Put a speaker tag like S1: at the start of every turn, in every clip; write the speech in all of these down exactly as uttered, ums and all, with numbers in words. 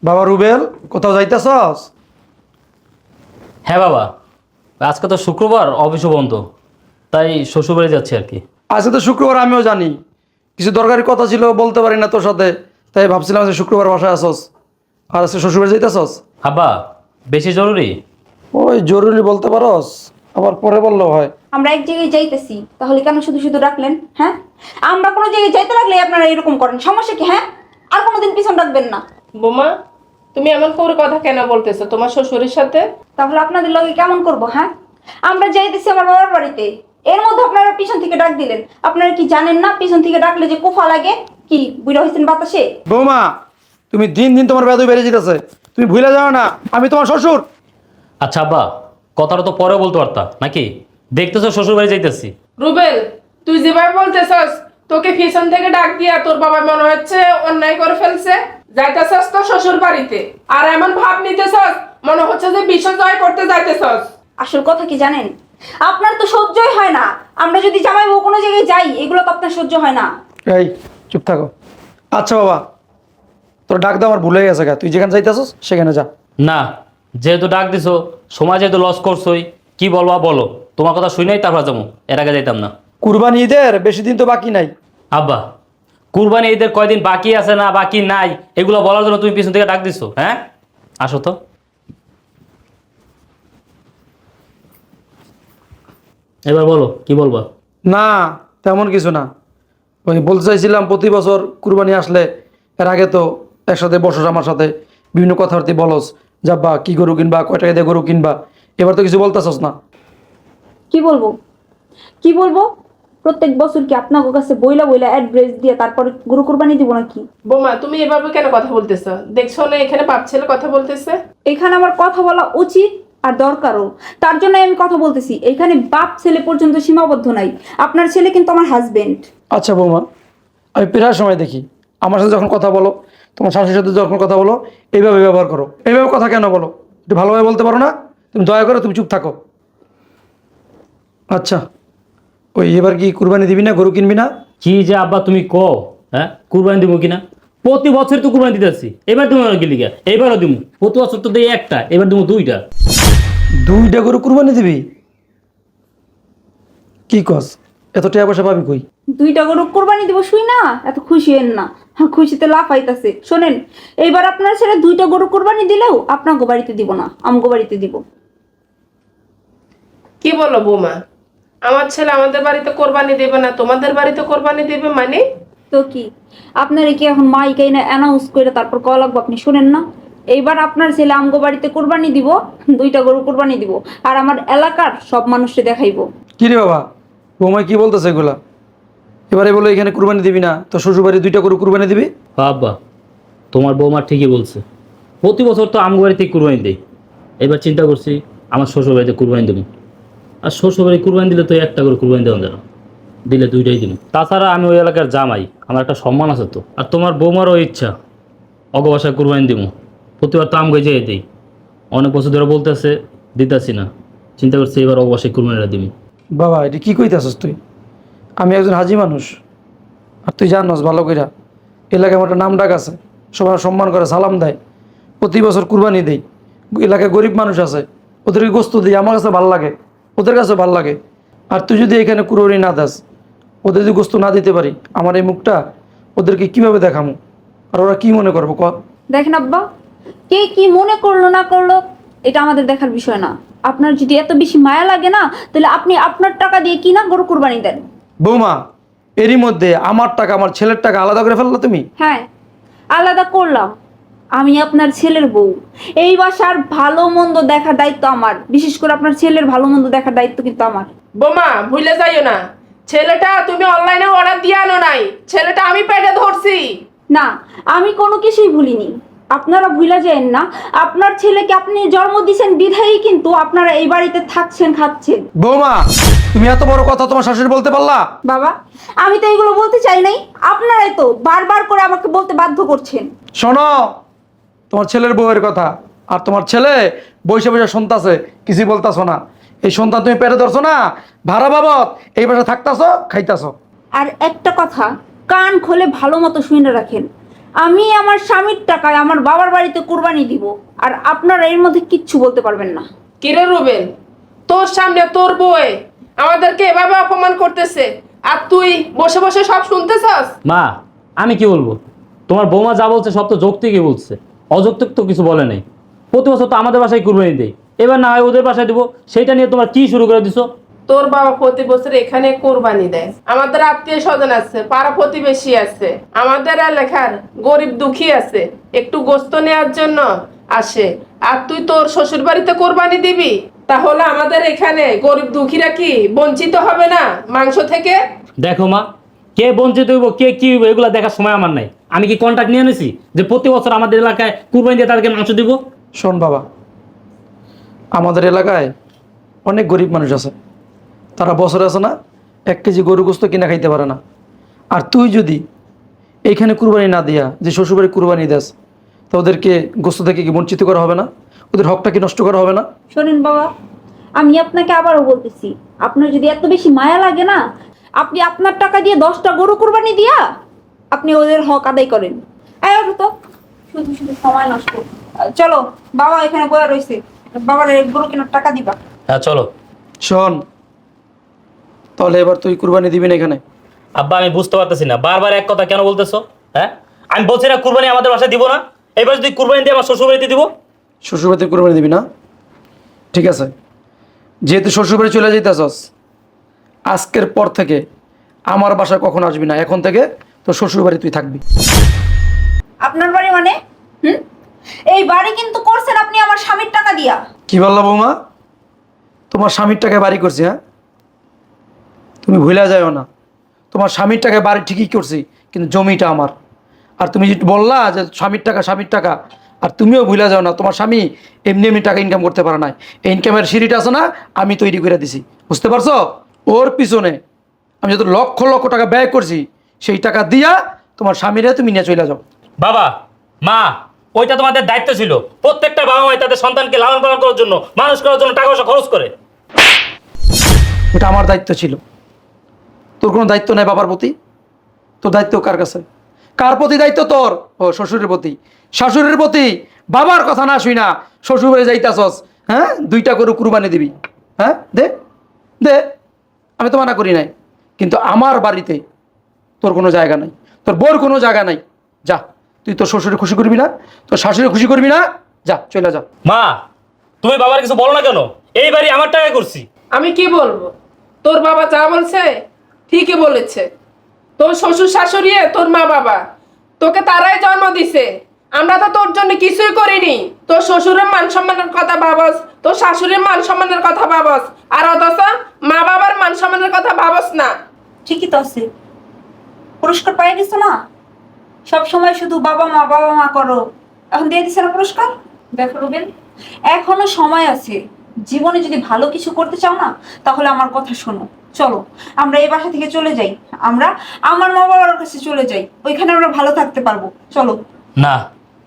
S1: বাবা রুবেল, কোথাও যাইতেছস?
S2: হ্যাঁ বাবা, আজকে তো শুক্রবার, অফিসও বন্ধ, তাই শ্বশুরবাড়ি যাচ্ছি আর কি।
S1: আজকে তো শুক্রবার, আমিও জানি কিছু দরকারি কথা ছিল, বলতে পারি না তোর সাথে, তাই ভাবছিলাম যে শুক্রবার বাসায় আসস আর আজকে শ্বশুরবাড়ি যাইতেছস।
S2: আব্বা, বেশি জরুরি?
S1: ওই জরুরি বলতে পারস, আবার পরে বললেও হয়।
S3: আমরা এক জায়গায় যাইতেছি, তাহলে কেন শুধু শুধু ডাকলেন? হ্যাঁ, আমরা কোনো জায়গায় যাইতে লাগলে আপনারা এরকম করেন, সমস্যা কি? হ্যাঁ, আর কোনোদিন পিছন ডাকবেন না।
S4: বোমা, তুমি এমন করে কথা কেন বলতেছো তোমার শ্বশুরের সাথে?
S3: তাহলে আপনাদের লগে কেমন করব? হ্যাঁ, আমরা যাইতেছি আমার বাবার বাড়িতে, এর মধ্যে আপনারা পিছন থেকে ডাক দিলেন। আপনারা কি জানেন না পিছন থেকে ডাকলে যে কোফা লাগে? কি বুড়া হয়েছেন বাতাসে?
S1: বৌমা, তুমি দিন দিন তোমার বেদই বেড়ে যেতেছে, তুমি ভুলে যাও না আমি তোমার শ্বশুর।
S2: আচ্ছা আব্বা, কথাটা তো পরে বলতে পারতা নাকি? দেখতেছো শ্বশুরবাড়ি যাইতেছি।
S4: রুবেল, তুই যেভাবে বলতেছস, তোকে পিছন থেকে ডাক দিয়া তোর বাবা মনে হচ্ছে অন্যায় করে ফেলছে। যাইতেছস তো শ্বশুর বাড়িতে, আর এমন ভাব নিতেছস মনে হচ্ছে যে বিশ্ব জয় করতে যাইতেছস।
S3: আসল কথা কি জানেন? আপনার তো সহ্যই হয় না। আমরা যদি জামাই বউ কোনো জায়গায় যাই, এগুলো তো আপনার সহ্য হয় না।
S1: এই চুপ থাকো। আচ্ছা বাবা, তোর ডাক দাও আমার ভুলে গেছে গা, তুই যেখানে যাইতেছস সেখানে যা।
S2: না, যেহেতু ডাক দিছো, সময় যেহেতু লস করছোই, কি বলবা বলো। তোমার কথা শুই নাই, তারপর যাবো, এর আগে যাইতাম না।
S1: কুরবানি ঈদের বেশি দিন তো বাকি নাই।
S2: আব্বা, কুরবানি ঈদের কয়দিন বাকি আছে না বাকি নাই, এগুলো বলার জন্য তুমি পিছন থেকে ডাক দিছো? হ্যাঁ, আসো তো। এবার বলো, কি বলবা?
S1: না, তেমন কিছু না। ওই বলতে চাইছিলাম প্রতি বছর কুরবানি আসলে এর আগে তো একসাথে বসস আমার সাথে, বিভিন্ন কথাবার্তি বলস, যাব্বা কি গরু কিনবা, কয় টাকা দিয়ে গরু কিনবা, এবার তো কিছু বলতেছস না।
S3: কি বলবো কি বলবো প্রত্যেক বছর কি আপনার কাছে বইলা বইলা অ্যাড্রেস দিয়ে তারপরে গরু কুরবানি দিব নাকি?
S4: বোমা, তুমি এভাবে কেন কথা বলতেছো? দেখছো না এখানে বাপ ছেলে কথা বলতেছে।
S3: এখানে আমার কথা বলা উচিত আর দরকারও, তার জন্য আমি কথা বলতেছি। এখানে বাপ ছেলে পর্যন্ত সীমাবদ্ধ নাই। আপনার ছেলে কিন্তু আমার হাজবেন্ড।
S1: আচ্ছা বৌমা, আমি প্রায় সময় দেখি আমার সাথে যখন কথা বলো, তোমার শাশুড়ির সাথে যখন কথা বলো, এইভাবে ব্যবহার করো। এইভাবে কথা কেন বলো? একটু ভালোভাবে বলতে পারো না? তুমি দয়া করে তুমি চুপ থাকো। আচ্ছা, ওই এবার কি কুরবানি দিবি না, গরু কিনবি না?
S2: কি যে আব্বা তুমি কও, হ্যাঁ কুরবানি দিব কিনা? প্রতি বছর তো কুরবানি দিতেছি, এবার তুমি কি লিগা? এবারও দিব। প্রতি বছর তো দিই একটা, এবার দিব দুইটা।
S1: দুইটা গরু কুরবানি দিবি? কি কস? এত টাকা পয়সা পাবি কই?
S3: দুইটা গরু কুরবানি দিব শুই না, এত খুশি হেন না। হ্যাঁ, খুশিতে লাফাইতাছে। শোনেন, এইবার আপনার ছেলে দুইটা গরু কুরবানি দিলেও আপনার বাড়িতে দিব না, আমগো বাড়িতে দিব।
S4: কি বলো বোমা? আমার ছেলে আমাদের বাড়িতে কোরবানি দেবে না, তোমাদের বাড়িতে কোরবানি দেবে মানে?
S3: তো কি আপনার কি এখন মাইকাই না অ্যানাউন্স করে তারপর কল লাগবো? আপনি শুনেন না? এইবার আপনার ছেলে আমগো বাড়িতে কুরবানি দিব, দুইটা গরু কুরবানি দিব, আর আমার এলাকার সব মানুষকে দেখাইবো।
S1: কি রে বাবা, বৌমাই কি বলতেছে এগুলা? এবারে বলো এখানে কুরবানি দিবি না, তো শ্বশুরবাড়ি দুইটা গরু কুরবানি দিবি?
S2: আব্বা, তোমার বৌমা ঠিকই বলছে, প্রতি বছর তো আমগো বাড়িতে কুরবানি দেই। এবার চিন্তা করছি আমার শ্বশুর বাড়িতে কুরবানি দেবো। আর শ্বশুর বাড়ি কুরবানি দিলে তো একটা করে কুরবানি দেওয়া যাবে, দিলে দুইটাই দিন। তাছাড়া আমি ওই এলাকার জামাই, আমার একটা সম্মান আছে তো। আর তোমার বৌমারও ইচ্ছা অগবাসায় কুরবানি দিব, প্রতিবার তো আমগো যেয়ে দিই। অনেক বছর ধরে বলতেছে, দিতেছি না। চিন্তা করছি এবার অগবাসায় কুরবানিটা দিবি।
S1: বাবা, এটা কি কইতাছস তুই? আমি একজন হাজি মানুষ, আর তুই জানস ভালো কইরা এলাকায় আমার একটা নাম ডাক আছে, সবাই সম্মান করে, সালাম দেয়। প্রতি বছর কুরবানি দেই, এলাকায় গরিব মানুষ আছে, ওদেরকে গোস্ত দিই, আমার কাছে ভাল লাগে, ওদের কাছে ভাল লাগে। আর তুই যদি এখানে কুরবানি না দাস, ওদের যদি গোস্ত না দিতে পারি, আমার এই মুখটা ওদেরকে কিভাবে দেখামো? আর ওরা কি মনে করবো ক?
S3: দেখেন আব্বা, কে কি মনে করলো না করলো এটা আমাদের দেখার বিষয় না। আপনার যদি এত বেশি মায়া লাগে না, তাহলে আপনি আপনার টাকা দিয়ে কিনা গরু কুরবানি দেন।
S1: বৌমা, এরই মধ্যে আমার টাকা আমার ছেলের টাকা আলাদা করে ফেললো তুমি?
S3: হ্যাঁ, আলাদা করলাম। আমি আপনার ছেলের বউ, এই বাসার ভালো মন্দ দেখার দায়িত্ব আমার। বিশেষ করে আপনার ছেলের ভালো মন্দ দেখার দায়িত্ব কিন্তু আমার।
S4: বোমা, ভুলে যাইও না, ছেলেটা তুমি অনলাইনে অর্ডার দিয়ে আনো নাই, ছেলেটা আমি পেটে ধরছি।
S3: না, আমি কোনো কিছুই ভুলিনি। আপনারা ভুলে যায়েন না, আপনার ছেলেকে আপনি জন্ম দিয়েছেন বিধায়ী কিন্তু আপনারা এই বাড়িতে থাকছেন, খাচ্ছেন।
S1: বৌমা, তুমি এত বড় কথা তোমার শাশুড়ি বলতে পারলা?
S3: বাবা, আমি তো এগুলো বলতে চাই নাই, আপনারাই তো বারবার করে আমাকে বলতে বাধ্য করছেন।
S1: শোনো, তোমার ছেলের বউয়ের কথা, আর তোমার ছেলে বৈশা বৈশা শুনতাছে, কিছুই বলতাছো না। এই সন্তান তুমি পেটে ধরছো না, ভাড়া বাবদ এই বাসা থাকতাছো, খাইতাছো।
S3: আর একটা কথা কান খোলে ভালো মতো শুনে রাখেন, আমি আমার স্বামীর টাকায় আমার বাবার বাড়িতে কুরবানি দিব, আর আপনারা এর মধ্যে কিচ্ছু বলতে পারবেন না।
S4: কিরে রুবেল, তোর সামনে তোর বউয়ে আমাদেরকে এভাবে অপমান করতেছে, আর তুই বসে বসে সব শুনতেছস?
S2: মা আমি কি বলবো, তোমার বৌমা যা বলছে সব তো যৌক্তিকই বলছে, অযৌক্তিক তো কিছু বলে নাই। প্রতি বছর তো আমাদের বাসায় কুরবানি দেই, এবার না হয় ওদের বাসায় দেবো, সেইটা নিয়ে তোমার কি শুরু করে দিছো?
S4: তোর বাবা প্রতি বছর এখানে কোরবানি দেয়। আমাদের আত্মীয় স্বজন আছে, পাড়া প্রতিবেশী আছে, আমাদের এলাকার গরিব দুঃখী আছে, একটু গোস্ত নেওয়ার জন্য আসে। আর তুই তোর শ্বশুর বাড়িতে কোরবানি দিবি? তাহলে আমাদের এখানে গরিব দুঃখীরা কি বঞ্চিত হবে না মাংস থেকে?
S2: দেখো মা, কে বঞ্চিত হইব কে কি হইব এগুলো দেখার সময় আমার নাই। আমি কি কন্ট্রাক্ট নিয়ে এনেছি যে প্রতি বছর আমাদের এলাকায় কুরবানি দিয়ে তাদেরকে মাংস দিব?
S1: শোন বাবা, আমাদের এলাকায় অনেক গরিব মানুষ আছে, তারা বছরে আছে না এক কেজি গরু গোস্ত কিনা খাইতে পারে না। আর তুই যদি এইখানে কুরবানি না দিয়া যে শ্বশুরবাড়ি কুরবানি দেস, তো ওদেরকে গোস্ত থেকে কি বঞ্চিত করা হবে না? ওদের হকটা কি নষ্ট করা হবে না?
S3: শোনেন বাবা, আমি আপনাকে আবারও বলতেছি, আপনার যদি এত বেশি মায়া লাগে না, আপনি আপনার টাকা দিয়ে দশটা গরু কুরবানি দিয়া আপনি ওদের হক আদায় করেন। এই ওঠো তো, শুধু শুধু সময় নষ্ট। আহ, চলো, বাবা এখানে বয়া রয়েছে, বাবার এই গরু কেনার টাকা দিবা।
S2: হ্যাঁ চলো।
S1: শোন, তাহলে এবার তুই কুরবানি দিবি না এখানে?
S2: আব্বা আমি বুঝতে পারতেছি না, বারবার এক কথা কেন বলতেছো? হ্যাঁ আমি বলছি না কুরবানি আমাদের বাসায় দিব না, এবার যদি কুরবানি দিয়ে আমার শ্বশুরবাড়িতে দিব।
S1: শ্বশুরবাড়িতে কুরবানি দিবি না? ঠিক আছে, যেহেতু শ্বশুরবাড়ি চলে যাইতেছস, আজকের পর থেকে আমার বাসায় কখন আসবি না। এখন থেকে তোর শ্বশুরবাড়ি তুই থাকবি।
S3: আপনার বাড়ি মানে? হুম, এই বাড়ি কিন্তু করছেন আপনি আমার স্বামীর টাকা দিয়া।
S1: কি বললা বৌমা? তোমার স্বামীর টাকায় বাড়ি করছি? হ্যাঁ, তুমি ভুলে যাও না, তোমার স্বামীর টাকায় বাড়ি ঠিকই করছি, কিন্তু জমিটা আমার। আর তুমি যে বললা যে স্বামীর টাকা স্বামীর টাকা, আর তুমিও ভুলে যাও না তোমার স্বামী এমনি এমনি টাকা ইনকাম করতে পারে না। এই ইনকামের সিঁড়িটা আছে না, আমি তৈরি করে দিছি, বুঝতে পারছো? ওর পিছনে আমি যত লক্ষ লক্ষ টাকা ব্যয় করছি, সেই টাকা দিয়া তোমার স্বামীরা তুমি নিয়ে চলে যাও।
S2: বাবা মা, ওইটা তোমাদের দায়িত্ব ছিল। প্রত্যেকটা বাবা মাই তাদের সন্তানকে লালন পালন করার জন্য, মানুষ করার জন্য টাকা পয়সা খরচ করে।
S1: ওটা আমার দায়িত্ব ছিল, তোর কোনো দায়িত্ব নেই বাবার প্রতি। তোর দায়িত্ব কার কাছে? কার প্রতি দায়িত্ব তোর? ও শ্বশুরের প্রতি। শাশুড়ির প্রতি বাবার কথা না শুই না শ্বশুর বাড়ি যাইতাছস, হ্যাঁ? দুইটা করে কুরবানি দিবি, হ্যাঁ? দে দে, আমি তো মানা করি নাই, কিন্তু আমার বাড়িতে তোর কোনো জায়গা নাই, তোর বোর কোনো জায়গা নাই। যা, তুই তোর শ্বশুরে খুশি করবি না, তোর শাশুড়ি খুশি করবি না, যা চলে যা।
S2: মা তুমি বাবার কিছু বলো না কেন? এই বাড়ি আমার টাকায় করছি।
S4: আমি কি বলবো? তোর বাবা যা বলছে ঠিকই বলেছে। তোর শ্বশুর শাশুড়ি তোর মা বাবা তোকে তারাই জন্ম দিছে, আমরা তো তোর জন্য কিছুই করিনি। তোর শ্বশুরের মান সম্মানের কথা ভাবস, তোর শাশুড়ির মান সম্মানের কথা ভাবস, আর অথচ মা বাবার মান সম্মানের কথা ভাবস না।
S3: ঠিকই তো আছে, পুরস্কার পাই গেছো না, সব সময় শুধু বাবা মা বাবা মা করো, এখন দিয়ে দিছে না পুরস্কার। দেখো রুবেল, এখনো সময় আছে, জীবনে যদি ভালো কিছু করতে চাও না, তাহলে আমার কথা শোনো। চলো আমরা এই বাসা থেকে চলে যাই, আমরা আমার মা বাবার কাছে চলে যাই, ওইখানে আমরা ভালো থাকতে পারবো। চলো।
S2: না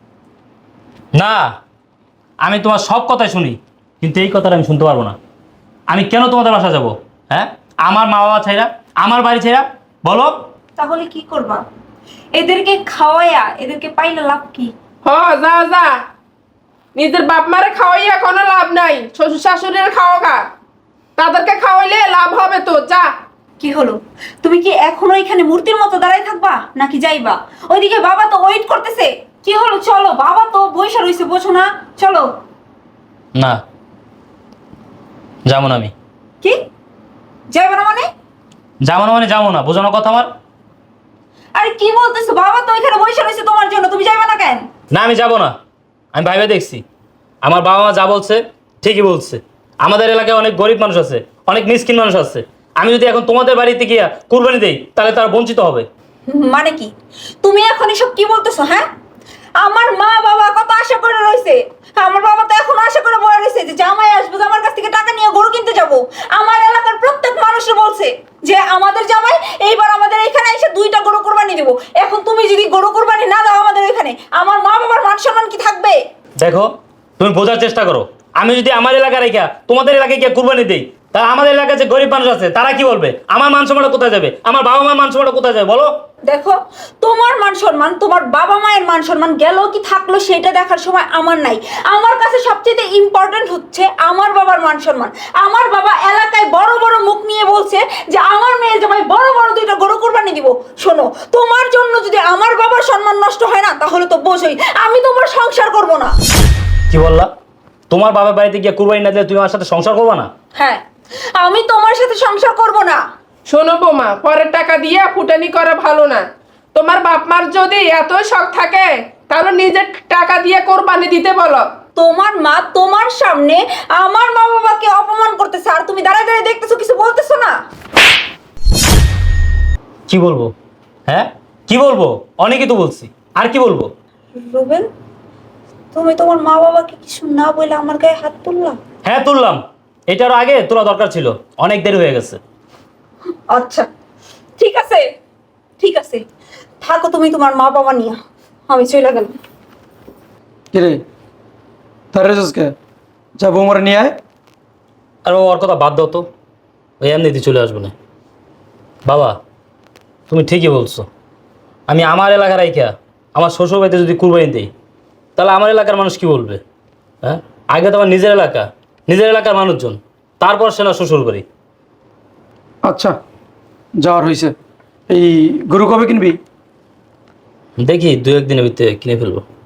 S2: না, আমি তোমার সব কথাই শুনি, কিন্তু এই কথাটা আমি শুনতে পারবো না। আমি কেন তোমাদের বাসা যাব? হ্যাঁ, আমার মা বাবা ছাইরা, আমার বাড়ি ছাইরা, বলো।
S3: তাহলে কি করবা? এদেরকে খাওয়াইয়া এদেরকে পাইলে লাভ কি?
S4: হ, যা যা, নিজের বাপ মারে খাওয়াইয়া কোনো লাভ নাই, শ্বশুর শাশুড়ির খাওয়া, তাদেরকে খাওয়াইলে লাভ হবে তো। যা।
S3: কি হলো, তুমি কি এখনো এখানে মূর্তির মতো দাঁড়াই থাকবা নাকি যাইবা? ওইদিকে বাবা তো ওয়েট করতেছে। কি হলো, চলো, বাবা তো বইসা রইছে, বোঝো না? চলো।
S2: না যাবো না আমি।
S3: কি যাইবা না মানে?
S2: যাবো না মানে যাবো না, বোঝো না কথা আমার?
S3: আরে কি বলতেছো, বাবা তো এখানে বইসা রইছে তোমার জন্য, তুমি যাইবা না কেন?
S2: না আমি যাবো না, আমি ভাইবে দেখছি আমার বাবা মা যা বলছে ঠিকই বলছে। আমাদের এলাকায় অনেক গরিব মানুষ আছে, অনেক মিসকিন মানুষ আছে। আমি যদি এখন তোমাদের বাড়িতে গিয়া কুরবানি দেই, তাহলে তারা বঞ্চিত হবে।
S3: মানে কি তুমি এখন এসব কি বলতেছো? হ্যাঁ, আমার মা বাবা কত আশা করে রইছে, আমার বাবা তো এখন আশা করে বয়ে রইছে যে জামাই আসবে, আমার কাছ থেকে টাকা নিয়ে গরু কিনতে যাব। আমার এলাকার প্রত্যেক মানুষে বলছে যে আমাদের জামাই এইবার আমাদের এখানে এসে দুইটা গরু কুরবানি দেব। এখন তুমি যদি গরু কুরবানি না দাও আমাদের এখানে, আমার মা বাবার মান সম্মান কি থাকবে?
S2: দেখো তুমি বোঝার চেষ্টা করো, আমি যদি আমার এলাকা রেখা তোমাদের এলাকায় গিয়ে কুরবানি দেই, তা আমাদের এলাকায় যে গরিব মানুষ আছে তারা কি বলবে? আমার মান সম্মানটা কোথায় যাবে? আমার বাবা মার মান সম্মানটা কোথায় যাবে বলো?
S3: দেখো, তোমার মান সম্মান, তোমার বাবা মায়ের মান সম্মান গেল কি থাকলো সেটা দেখার সময় আমার নাই। আমার কাছে সবচেয়ে ইম্পর্টেন্ট হচ্ছে আমার বাবার মান সম্মান। আমার বাবা এলাকায় বড় বড় মুখ নিয়ে বলছে যে আমার মেয়ে জামাই বড় বড় দুইটা গরু কুরবানি দিব। শোনো, তোমার জন্য যদি আমার বাবার সম্মান নষ্ট হয় না, তাহলে তো বোঝোই আমি তোমার সংসার করব না।
S2: কি বললা? তোমার বাবার বাড়িতে গিয়ে কুরবানি না দিলে তুমি আমার সাথে সংসার করবে না?
S3: হ্যাঁ, আমি তোমার সাথে সংসার করব না।
S4: শোনো বৌমা, পরের টাকা দিয়ে ফুটানি করা ভালো না। তোমার বাপ মার যদি এত শখ থাকে তাহলে নিজের টাকা দিয়ে কোরবানি দিতে বলো।
S3: তোমার মা তোমার সামনে আমার মা বাবাকে অপমান করতেছে, আর তুমি দাঁড়ায় দাঁড়ায় দেখতেছো, কিছু বলতেছো না।
S2: কি বলবো? হ্যাঁ কি বলবো? অনেকই তো বলছি, আর কি বলবো?
S3: রুবেল, তুমি তোমার মা বাবাকে কিছু না বলে আমার গায়ে হাত তুললা?
S2: হ্যাঁ তুললাম, এটার আগে তোলা দরকার ছিল, অনেক দেরি হয়ে গেছে।
S3: আচ্ছা ঠিক আছে, ঠিক আছে, থাকো তুমি তোমার মা বাবা নিয়ে, আমি চলে গেলাম।
S1: কিরে তার রেজকে যা বৌমারে নিয়ে আয়।
S2: আর ও ওর কথা বাদ দাও তো, ওই এমনিতে চলে আসবো না। বাবা তুমি ঠিকই বলছো, আমি আমার এলাকার আইকা আমার শ্বশুর বাড়িতে যদি কুরবানি দিই তাহলে আমার এলাকার মানুষ কি বলবে? হ্যাঁ, আগে তো আমার নিজের এলাকা, নিজের এলাকার মানুষজন, তারপর সে না শ্বশুর বাড়ি।
S1: আচ্ছা যাওয়ার হয়েছে, এই গরু কবে কিনবি?
S2: দেখি দু একদিনের ভিতরে কিনে ফেলবো।